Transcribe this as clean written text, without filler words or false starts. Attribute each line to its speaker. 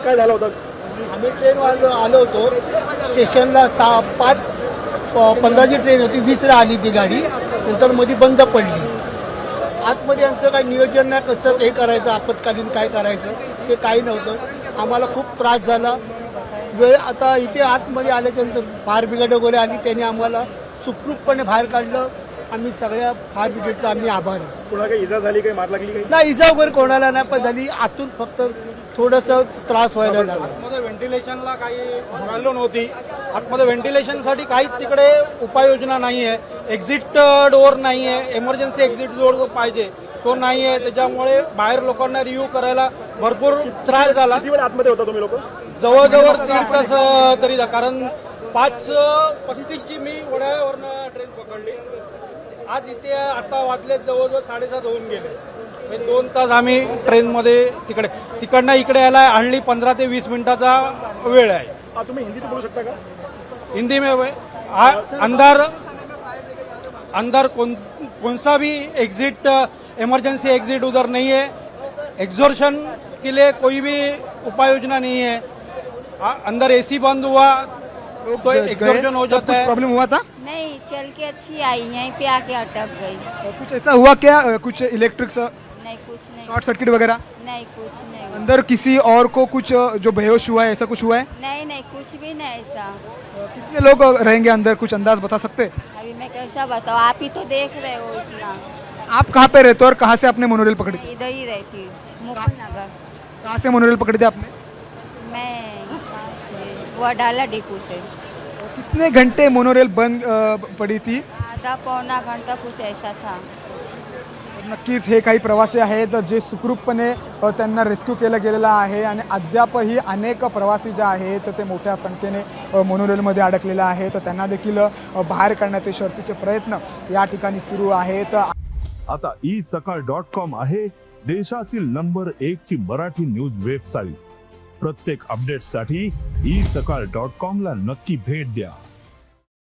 Speaker 1: काय झालं होतं?
Speaker 2: आम्ही ट्रेनवर आलो होतो स्टेशनला 5:15ची ट्रेन होती, 20ला आली ती गाडी. नंतर मध्ये बंद पडली. आतमध्ये आमचं काही नियोजन नाही, कसं हे करायचं, आपत्कालीन काय करायचं ते काही नव्हतं. आम्हाला खूप त्रास झाला. वेळ आता इथे आतमध्ये आल्याच्यानंतर फायर ब्रिगेड वगैरे आली, त्यांनी आम्हाला सुखरूपपणे बाहेर काढलं. आम्ही सगळ्या फायर ब्रिगेडचा आम्ही आभारी.
Speaker 1: कुणाला काही इजा झाली, काही मार लागली काही?
Speaker 2: नाही, इजा वगैरे कोणाला नाही, पण झाली आतून फक्त थोडंसं त्रास व्हायला लागला.
Speaker 3: आतमध्ये व्हेंटिलेशनला काही व्हॅल्यू नव्हती. आतमध्ये व्हेंटिलेशनसाठी काहीच तिकडे उपाययोजना नाही आहे. एक्झिट डोअर नाही आहे, इमर्जन्सी एक्झिट डोअर पाहिजे तो नाही आहे. त्याच्यामुळे बाहेर लोकांना रिव्ह्यू करायला भरपूर त्रास झाला.
Speaker 1: किती वेळ आतमध्ये होता तुम्ही लोक?
Speaker 3: जवळजवळ 1.5 तास तरी कारण 5:35ची मी वड्यावरनं ट्रेन पकडली. आज इथे आता वाजले जवळजवळ 7:30 होऊन गेले. 2 तास आम्ही ट्रेनमध्ये तिकडनं इकडे यायला हल्ली 15 ते 20 मिनिटाचा वेळ आहे.
Speaker 1: तुम्ही हिंदीत बोलू शकता का?
Speaker 3: हिंदी में अंदर कौन सा भी एग्जिट इमरजेंसी एग्जिट उधर नहीं है. एग्जॉर्शन के लिए कोई भी उपाय योजना नहीं है. अंदर एसी बंद हुआ तो एग्जॉर्शन हो जाता है.
Speaker 4: प्रॉब्लम हुआ था?
Speaker 5: नहीं, चल के अच्छी आई, यहीं पे आके अटक गई.
Speaker 4: कुछ ऐसा हुआ क्या, कुछ इलेक्ट्रिक
Speaker 5: नहीं, कुछ नहीं.
Speaker 4: शॉर्ट सर्किट वगैरह?
Speaker 5: नहीं, कुछ नहीं हुआ.
Speaker 4: अंदर किसी और को कुछ जो बेहोश हुआ है, ऐसा कुछ हुआ है?
Speaker 5: नहीं नहीं, कुछ भी नहीं ऐसा.
Speaker 4: कितने लोग रहेंगे अंदर, कुछ अंदाज बता सकते हैं?
Speaker 5: अभी मैं कैसा बताऊँ, आप ही तो देख रहे हो इतना.
Speaker 4: आप कहाँ पे रहते हो और कहाँ से आपने मोनोरेल पकड़ी?
Speaker 5: मैं इधर ही रहती हूँ, मुकुल नगर.
Speaker 4: कहाँ से मोनोरेल पकड़ी थी आपने?
Speaker 5: मैं कहाँ से, वो अडाला डिपो से.
Speaker 4: कितने घंटे मोनोरेल बंद पड़ी थी?
Speaker 5: आधा पौना घंटा कुछ ऐसा था.
Speaker 4: नक्कीच हे काही प्रवासी आहेत जे सुखरूपपणे त्यांना रेस्क्यू केलं गेलेलं आहे आणि अद्यापही अनेक प्रवासी जे आहेत ते मोठ्या संख्येने मोनोरेलमध्ये अडकलेले आहेत. त्यांना देखील बाहेर काढण्याचे शर्थीचे प्रयत्न या ठिकाणी सुरू आहेत.
Speaker 6: आता isakal.com आहे देशातील नंबर 1 ची मराठी न्यूज वेबसाईट. प्रत्येक अपडेटसाठी isakal.com ला नक्की भेट द्या.